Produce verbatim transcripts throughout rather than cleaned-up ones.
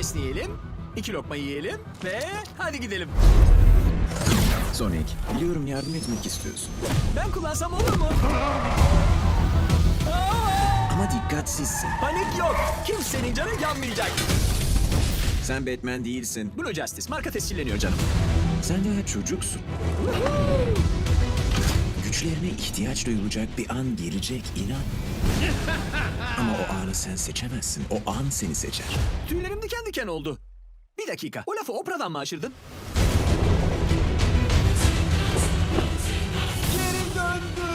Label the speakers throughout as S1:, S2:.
S1: esneyelim, iki lokma yiyelim ve hadi gidelim.
S2: Sonic, biliyorum yardım etmek istiyorsun.
S1: Ben kullansam olur mu?
S2: Ama dikkatsizsin.
S1: Panik yok. Kimsenin canı yanmayacak.
S2: Sen Batman değilsin.
S1: Blue Justice marka tescilleniyor canım.
S2: Sen daha çocuksun. Güçlerine ihtiyaç duyulacak bir an gelecek, inan. Ama o anı sen seçemezsin. O an seni seçer.
S1: Tüylerim diken diken oldu. Bir dakika. O lafı Oprah'dan mı aşırdın? Geri döndü.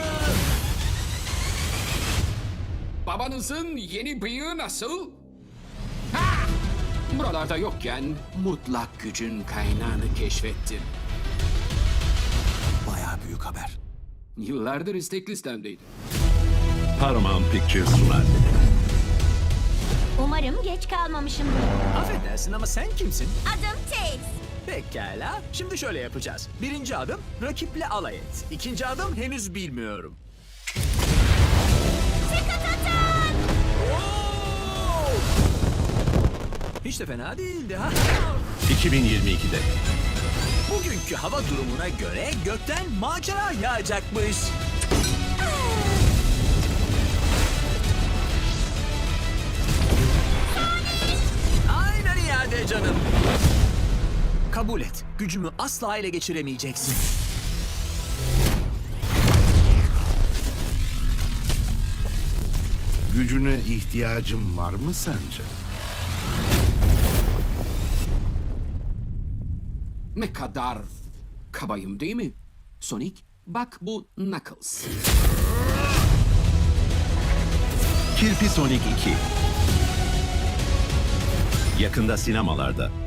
S3: Babanızın yeni bıyığı nasıl? Ha! Buralarda yokken mutlak gücün kaynağını keşfettim.
S2: Bayağı büyük haber.
S3: Yıllardır istek listemdeydi.
S4: Paramount Pictures sunar.
S5: Umarım geç kalmamışımdır.
S1: Affedersin ama sen kimsin?
S5: Adım Tails.
S1: Pekala. Şimdi şöyle yapacağız. Birinci adım rakiple alay et. İkinci adım henüz bilmiyorum. Oo! Hiç de fena değildi ha.
S4: iki bin yirmi ikide.
S1: Bugünkü hava durumuna göre gökten macera yağacakmış. Aynen iade canım. Kabul et. Gücümü asla ele geçiremeyeceksin.
S6: Gücüne ihtiyacım var mı sence?
S3: Ne kadar kabayım değil mi? Sonic, bak bu Knuckles.
S4: Kirpi Sonic iki. Yakında sinemalarda.